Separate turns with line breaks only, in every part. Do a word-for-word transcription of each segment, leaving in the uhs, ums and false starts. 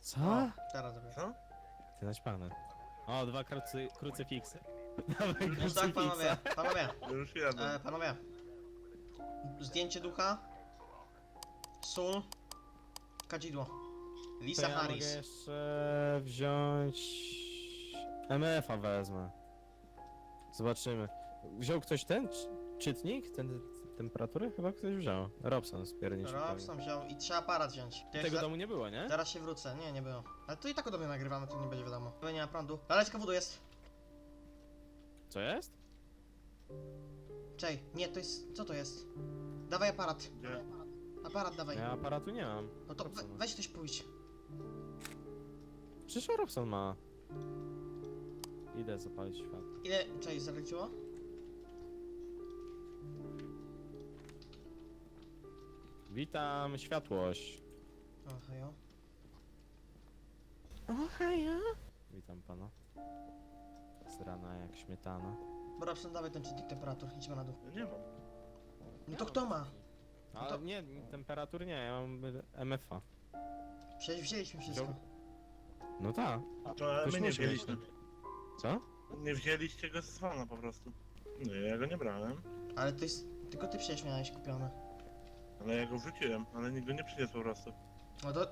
Co?
O, teraz robię.
Co?
Ty naćpane. O, dwa krucy, krucyfiksy. Dawaj
No tak, panowie,
krucyfiksa.
panowie,
Już jadę.
e, panowie. Zdjęcie ducha. Sól. Kadzidło.
To
Lisa
ja mogę
Harris.
jeszcze wziąć... M F a wezmę. Zobaczymy. Wziął ktoś ten czy- czytnik? Ten temperatury? Chyba ktoś wziął. Robson spierniczy.
Robson wziął i trzeba aparat wziąć. To
Tego
jeszcze-
domu nie było, nie?
Zaraz się wrócę, nie, nie było. Ale to i tak o dobie nagrywamy, to nie będzie wiadomo. Chyba nie ma prądu. Laleczka wodu jest.
Co jest?
Czej, nie, to jest, co to jest? Dawaj aparat.
Gdzie?
Aparat dawaj.
Ja aparatu nie mam.
No to we,
Robsona.
weź ktoś pójdź.
Przecież Robson ma. Idę zapalić świat.
Ile, czej, zaleciło?
Witam, światłość.
O, hejo.
Ohaja. Witam pana. Z rana jak śmietana.
Bo Robson, dawaj ten czytnik temperatur, idźmy na dół.
Ja nie mam.
No to kto ma?
Ale
to-
nie, temperatur nie, ja mam M F a.
Przecież wzięliśmy wszystko.
Wziął- No tak.
To
Już
my nie
musi
wzięliśmy.
Co?
Nie wzięliście go z dzwona po prostu. No ja go nie brałem.
Ale to jest, tylko ty przecież miałeś kupione.
Ale ja go wrzuciłem, ale nikt go nie przyniósł po prostu.
No to,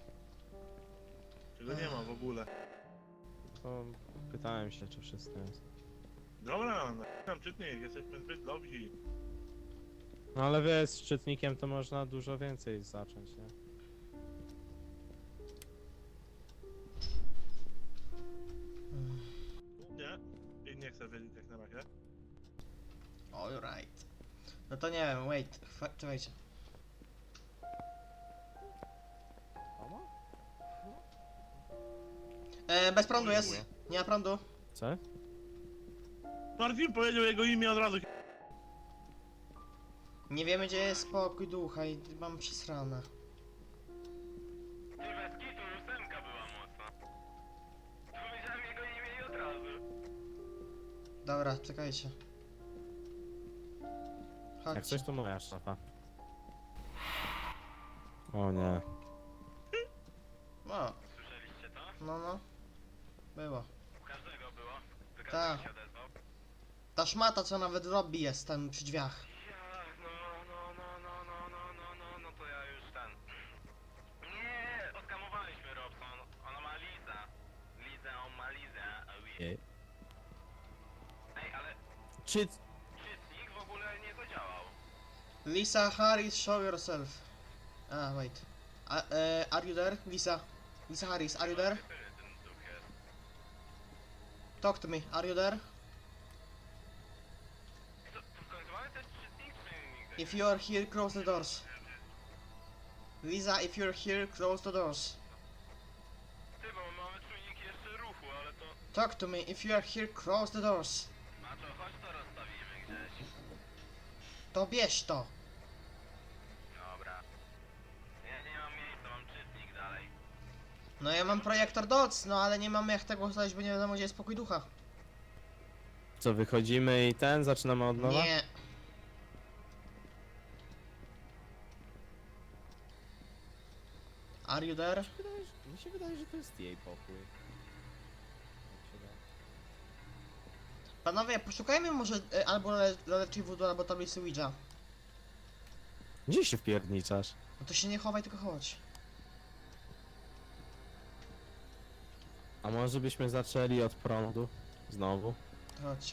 Czego nie ma w ogóle.
To pytałem się, czy wszystko jest.
Dobra, no, tam czytnik, jesteśmy zbyt dobrzy.
No ale wiesz, z czytnikiem to można dużo więcej zacząć, nie?
Nie? I nie chcę wiedzieć jak na razie.
alright. No to nie wiem, wait, chwa- czekajcie. E, bez prądu jest. Nie ma prądu.
Co?
Marcin powiedział jego imię od razu.
Nie wiemy gdzie jest spokój ducha i mam przesrane.
Ty bez kitu, ósemka była mocna. Powiedziałem jego imię i od razu.
Dobra, czekajcie.
Jak
Chodźcie.
coś to moja szafa. O nie.
No,
Słyszeliście to?
no, no. Było.
U każdego było. Ty
Tak.
każdy się odezwał.
Ta szmata co nawet robi jest tam przy drzwiach.
Ja, no, no, no, no, no, no, no, no, no to ja już ten... Nie, oskamowaliśmy Robson. Ona ma Liza. Liza, on ma Lizę. Oh, yeah. Ej, ale
Czy...
czytnik w ogóle nie zadziałał.
Lisa Harris, show yourself. Ah, wait. A, e, are you there? Lisa. Lisa Harris, are you there?
Który ten duch jest?
Talk to me, are you there?
To, to w końcu mamy ten czytnik, czy nigdy?
If you are here, close the doors. Lisa, if you're here, close the doors.
Ty, bo mamy czujnik jeszcze ruchu, ale to...
Talk to me, if you are here, close the doors.
Maczo, chodź to rozstawimy gdzieś.
To bierz to.
Dobra. Ja nie mam miejsca, mam czytnik dalej.
No ja mam projektor doc, no ale nie mamy jak tego ustalić, bo nie wiadomo gdzie jest spokój ducha.
Co, wychodzimy i ten, zaczynamy od nowa?
Nie. Are you there?
Wydaje, że- mi się wydaje, że to jest jej pokój. Jak się da.
Panowie, poszukajmy może e, albo laleczki wodu, albo tablicy Ouija.
Gdzie się wpierniczasz?
No to się nie chowaj, tylko chodź.
A może byśmy zaczęli od prądu? Znowu?
To chodźcie.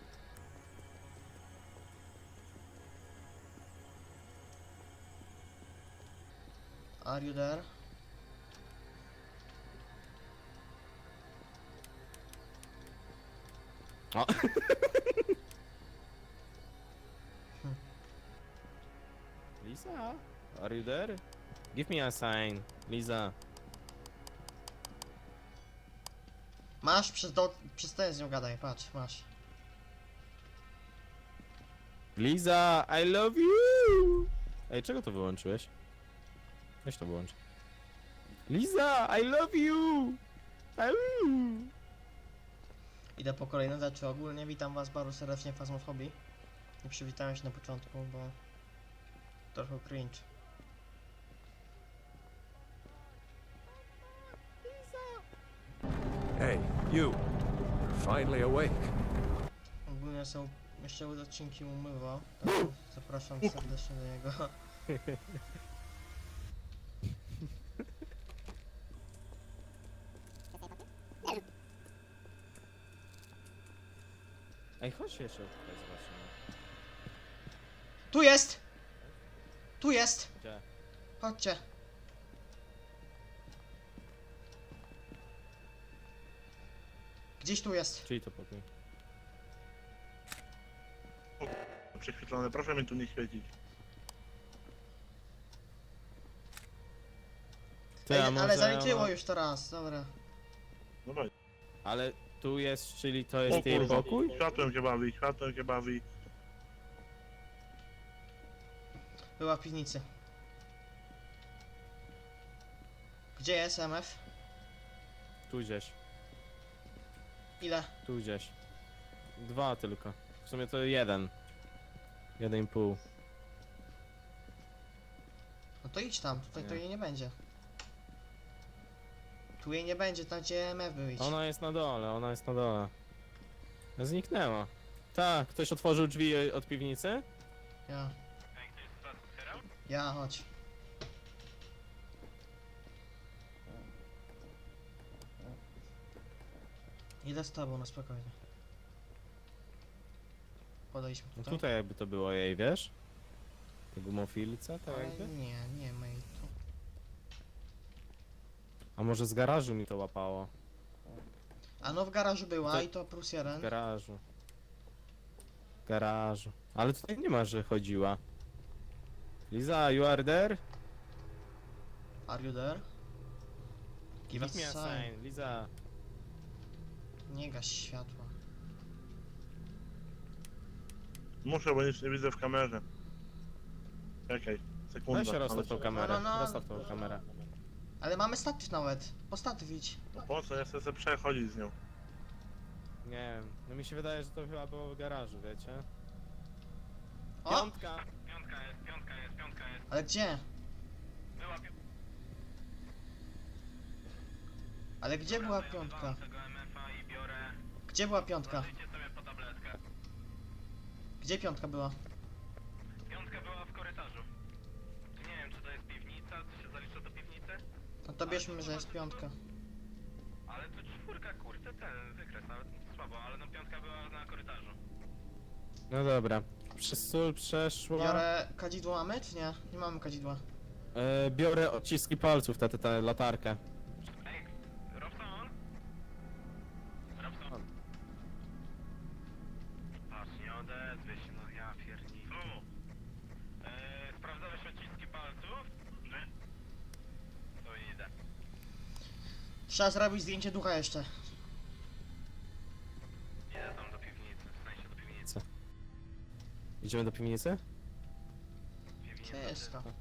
Are you there?
O. Lisa? Are you there? Give me a sign. Lisa.
Masz, przez, do, przez ten z nią gadaj, patrz, masz.
Lisa, I love you! Ej, czego to wyłączyłeś? Weź to wyłącz. Lisa, I love you! Au!
Idę po kolejne rzeczy. Ogólnie witam was bardzo serdecznie w Phasmophobie. Nie przywitałem się na początku, bo trochę cringe.
You. You're finally awake.
Ogólnie są jeszcze odcinki umywał. Także zapraszam serdecznie do niego.
Ej, chodź jeszcze tutaj zobaczymy.
Tu jest! Tu jest!
Gdzie?
Chodźcie. Gdzieś tu jest.
Czyli to pokój.
Prześwietlone, proszę mnie tu nie świecić.
Ty,
Ej,
a
ale
może
zaliczyło
ona-
już to raz, dobra.
Dobra.
Ale tu jest, czyli to
O
jest jej
kurwa,
pokój?
światłem się bawi, światłem się bawi.
Była w piwnicy. Gdzie jest M F?
Tu gdzieś,
Ile?
tu gdzieś. Dwa tylko. W sumie to jeden. Jeden i pół.
No to idź tam, tutaj to
Nie.
jej nie będzie. Tu jej nie będzie, tam gdzie M F był idź.
Ona jest na dole, ona jest na dole. Zniknęła. Tak, ktoś otworzył drzwi od piwnicy?
Ja.
Ej, ktoś z was otwierał?
Ja, chodź. Idę z tobą na spokojnie. Podejdźmy
No
tutaj.
tutaj jakby to było jej, wiesz? Te gumofilce, tak
Ale
jakby?
nie, nie ma jej tu.
A może z garażu mi to łapało?
A no w garażu była
To-
i to plus
W
jeden.
garażu. W garażu. Ale tutaj nie ma, że chodziła. Liza, you are there?
Are you there? Give
Give
us
me a
sign.
sign, Liza.
Nie gaś światła.
Muszę, bo nic nie widzę w kamerze. Czekaj, sekunda.
Weź rozstaw tą
ale-
kamerę,
No, no, no.
rozstaw tą kamerę.
Ale mamy statyw nawet. Po statyw idź.
No po co, ja chcę sobie przechodzić z nią.
Nie wiem, no mi się wydaje, że to chyba było w garażu, wiecie?
O!
Piątka!
Piątka jest, piątka jest, piątka jest.
Ale gdzie?
Była piątka.
Ale gdzie była piątka?
tego M F a i biorę...
Gdzie była piątka?
Zajrzyjcie sobie po tabletkę.
Gdzie piątka była?
Piątka była w korytarzu. Nie wiem, czy to jest piwnica, czy się zalicza do piwnicy?
No to bierzmy, że jest piątka.
Ale to czwórka, kurde, ten wykres, nawet słabo, ale no piątka była na korytarzu.
No dobra. Przez sól przeszła.
Biorę kadzidło mamy, czy nie? Nie mamy kadzidła.
E, biorę odciski palców, tę, tę, tę latarkę.
Ej, Robson? Robson? Patrz, nie odezwie się, no ja pierdolę. Co? Eee, sprawdzałeś odciski palców? Nie. To idę.
Trzeba zrobić zdjęcie ducha jeszcze.
Idę tam do piwnicy, w sensie do piwnicy.
Idziemy do piwnicy?
Piwnica,
Gdzie jest to?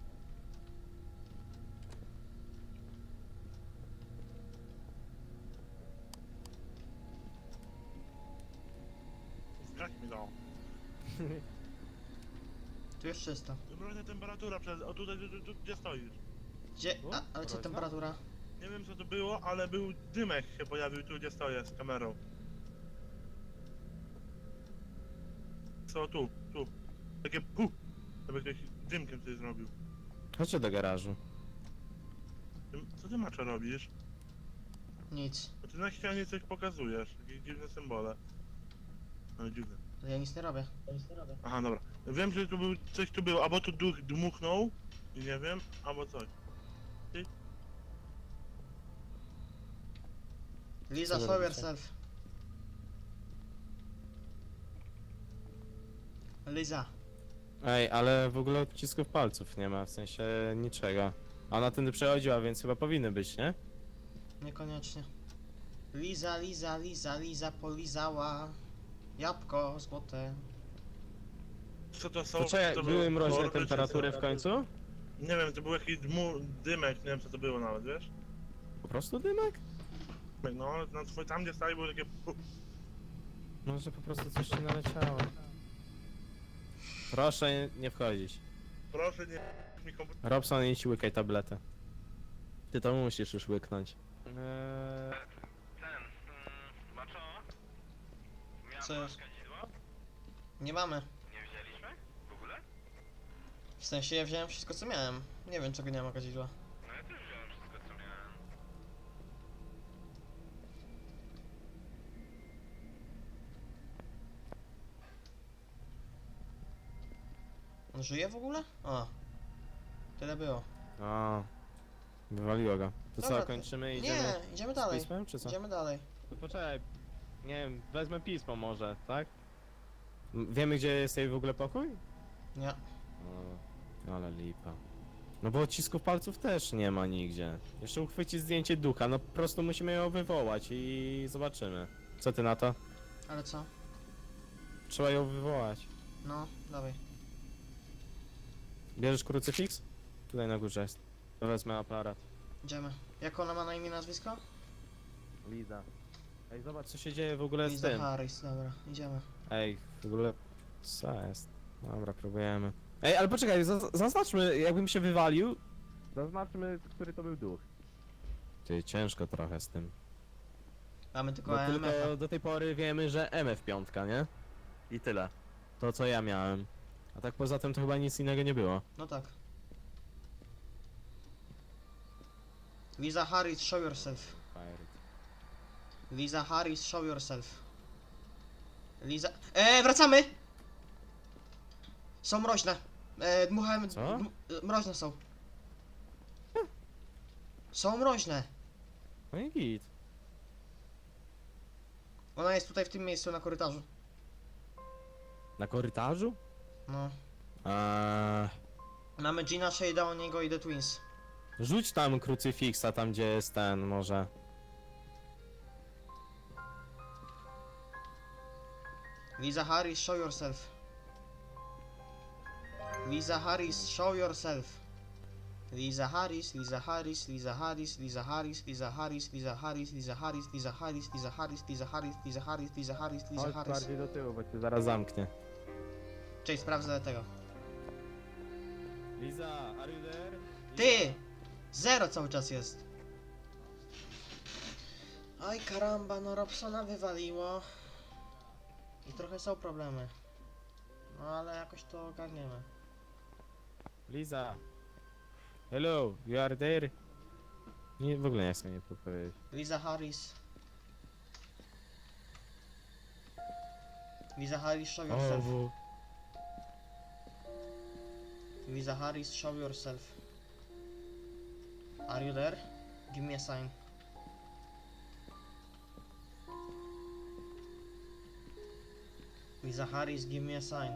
Jak mi dało?
Tu jest czysto.
Dobra, temperatura przez... O tutaj, tu, tu, tu, gdzie stoisz?
Gdzie?
O,
A, ale co
mroźna?
temperatura?
Nie wiem co to było, ale był dymek się pojawił tu, gdzie stoję z kamerą. Co tu, tu. Takie pu! Jakby ktoś dymkiem coś zrobił.
Chodźcie do garażu.
Ty, co ty maczo robisz?
Nic.
Bo ty na ścianie coś pokazujesz, jakieś dziwne symbole. No dziwne.
To ja nic nie robię.
Aha, dobra. Wiem, że tu był, coś tu było, albo tu duch dmuchnął, i nie wiem, albo coś.
Liza,
Co
show
robicie?
yourself. Liza.
Ej, ale w ogóle odcisków palców nie ma, w sensie niczego. A ona tędy przechodziła, więc chyba powinny być, nie?
Niekoniecznie. Liza, Liza, Liza, Liza polizała. Jabłko złote.
Co to są?
To czekaj,
to
były
było
mroźne
kordy, czy
temperatury
co?
w końcu?
Nie wiem, to był jakiś dmu, dymek, nie wiem co to było nawet, wiesz?
Po prostu dymek?
No, na twój, tam gdzie stali było takie pu.
Może po prostu coś ci naleciało. Proszę nie- nie wchodzić.
Proszę nie mi komputer.
Robson, idź łykaj tabletę. Ty to musisz już łyknąć. Eee,
Ten, mm,
Co
masz
jest?
kadzidło?
Nie mamy.
Nie wzięliśmy? W ogóle?
W sensie ja wziąłem wszystko co miałem. Nie wiem czego nie ma kadzidła.
No ja też wziąłem wszystko co miałem.
On żyje w ogóle? O. Tyle było.
A, wywaliło go. To
Dobra,
co, kończymy i idziemy
Nie, idziemy
z
dalej.
pismem, czy co?
Idziemy dalej.
To poczekaj, nie wiem, wezmę pismo może, tak? M- Wiemy gdzie jest jej w ogóle pokój?
Nie.
O, ale lipa. No bo odcisków palców też nie ma nigdzie. Jeszcze uchwycić zdjęcie ducha, no po prostu musimy ją wywołać i zobaczymy. Co ty na to?
Ale co?
Trzeba ją wywołać.
No, dawaj.
Bierzesz krucyfiks? Tutaj na górze jest. To wezmę aparat.
Idziemy. Jak ona ma na imię i nazwisko?
Liza. Ej, zobacz co się dzieje w ogóle z
Liza
tym.
Harris, dobra, idziemy.
Ej, w ogóle... Co jest? Dobra, próbujemy. Ej, ale poczekaj, zaz- zaznaczmy, jakbym się wywalił. Zaznaczmy, który to był duch. Ty, ciężko trochę z tym.
Mamy tylko
Bo
E M F.
tylko do tej pory wiemy, że M F piątka, nie? I tyle. To co ja miałem. A tak poza tym to chyba nic innego nie było.
No tak. Liza Harris, show yourself. Liza Harris, show yourself. Liza... Eee, wracamy! Są mroźne. Eee, dmuchałem...
Co?
dm- e, Mroźne są. Są mroźne.
No i git.
Ona jest tutaj w tym miejscu na korytarzu.
Na korytarzu?
No.
Eee,
Mamy Gina, Shade'a, Oniego i The Twins.
rzuć tam krucyfiksa, tam gdzie jest ten, może.
Liza Harris, show yourself. Liza Harris, show yourself. Liza Harris, Liza Harris, Liza Harris, Liza Harris, Liza Harris, Liza Harris, Liza Harris, Liza Harris, Liza Harris, Liza Harris, Liza Harris, Liza Harris, Liza
Chodź
Harris.
bardziej do tyłu, bo cię zaraz zamknie.
Cześć, sprawdzę tego.
Liza, are you there?
Ty! Zero cały czas jest. Aj karamba, no Robsona wywaliło. I trochę są problemy. No ale jakoś to ogarniemy.
Liza. Hello, you are there? Nie, w ogóle nie chcę mnie powiedzieć.
Liza Harris. Liza Harris, show yourself.
bo...
Liza Harris, show yourself. Are you there? Give me a sign. Liza Harris, give me a sign.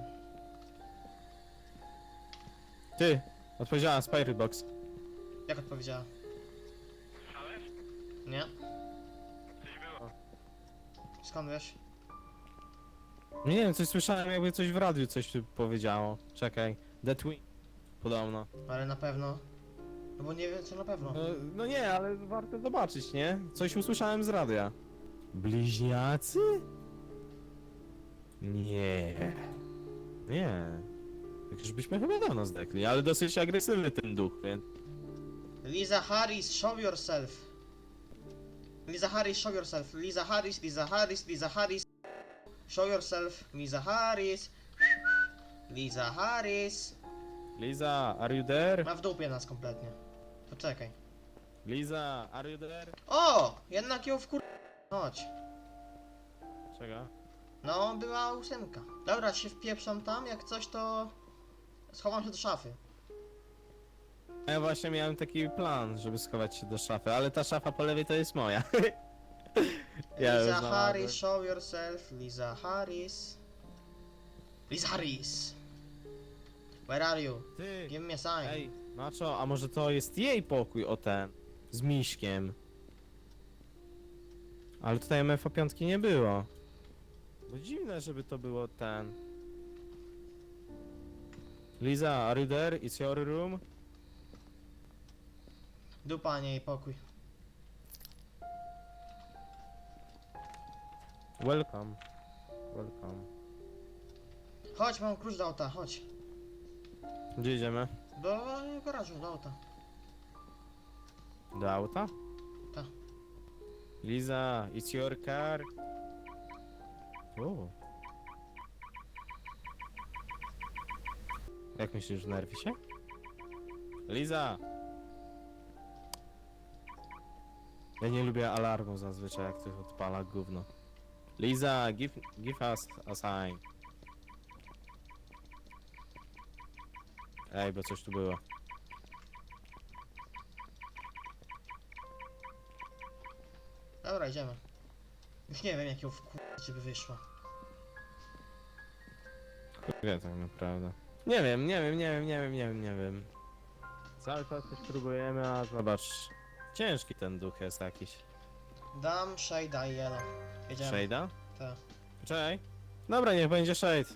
Ty, odpowiedziałem Spirit Box.
Jak odpowiedziała?
Słyszałeś?
Nie?
Coś było.
Skąd wiesz?
Nie wiem, coś słyszałem, jakby coś w radiu coś tu powiedziało. Czekaj, The Twin. Podobno.
Ale na pewno. No bo nie wiem co na pewno.
No, no nie, ale warto zobaczyć, nie? Coś usłyszałem z radia. Bliźniacy? Nie. Nie. Tak już byśmy chyba dawno zdekli, ale dosyć agresywny ten duch, więc...
Liza Harris, show yourself. Liza Harris, show yourself. Liza Harris, Liza Harris, Liza Harris. Show yourself. Liza Harris. Liza Harris.
Liza, are you there?
Ma w dupie nas kompletnie. Poczekaj.
Liza, are you there?
O! Jednak ją wkur... Chodź.
Czego?
No, była ósemka. Dobra, się wpieprzam tam, jak coś to... Schowam się do szafy.
A ja właśnie miałem taki plan, żeby schować się do szafy, ale ta szafa po lewej to jest moja. Ja już
Liza
znalazłem.
Harris, show yourself. Liza Harris. Liza Harris. Where are you?
Ty,
Give me a sign.
ej, Nacho, a może to jest jej pokój, o ten, z Miśkiem. Ale tutaj M F A piątki nie było. Bo dziwne, żeby to było ten. Liza, are you there? It's your room?
Dupa, nie jej pokój.
Welcome. Welcome.
Chodź, mam klucz do auta, chodź.
Gdzie idziemy?
Do garażu, do auta.
Do auta?
Tak.
Liza, it's your car. O, Jak myślisz, nerwi się? Liza! Ja nie lubię alarmu zazwyczaj, jak ktoś odpala gówno. Liza, give, give us a sign. Ej, bo coś tu było.
Dobra, idziemy. Już nie wiem, jak ją wkurzyć, żeby wyszła.
Wie tak naprawdę. Nie wiem, nie wiem, nie wiem, nie wiem, nie wiem, nie wiem. Cały czas coś próbujemy, a zobacz. Ciężki ten duch jest jakiś.
Dam, Shade'a i Yellow. Jedziemy.
Shade'a?
Tak.
Czekaj. Dobra, niech będzie Shade.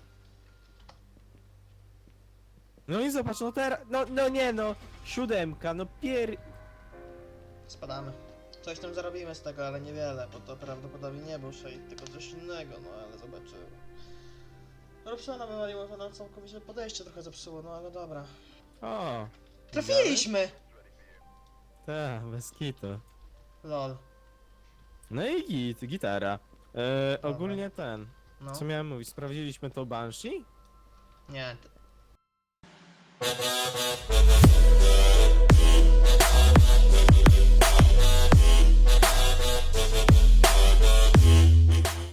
No i zobacz, no teraz, no, no nie no. Siódemka, no pier...
Spadamy. Coś tam zarobimy z tego, ale niewiele, bo to prawdopodobnie nie był Shade, tylko coś innego, no ale zobaczymy. Robsona wywaliło, to nam całkowicie podejście trochę zepsuło, no ale dobra.
O!
Trafiliśmy!
Tak, bez kitu.
Lol.
No i git, gitara. E, ogólnie ten,
No.
co miałem mówić, sprawdziliśmy to Banshee?
Nie.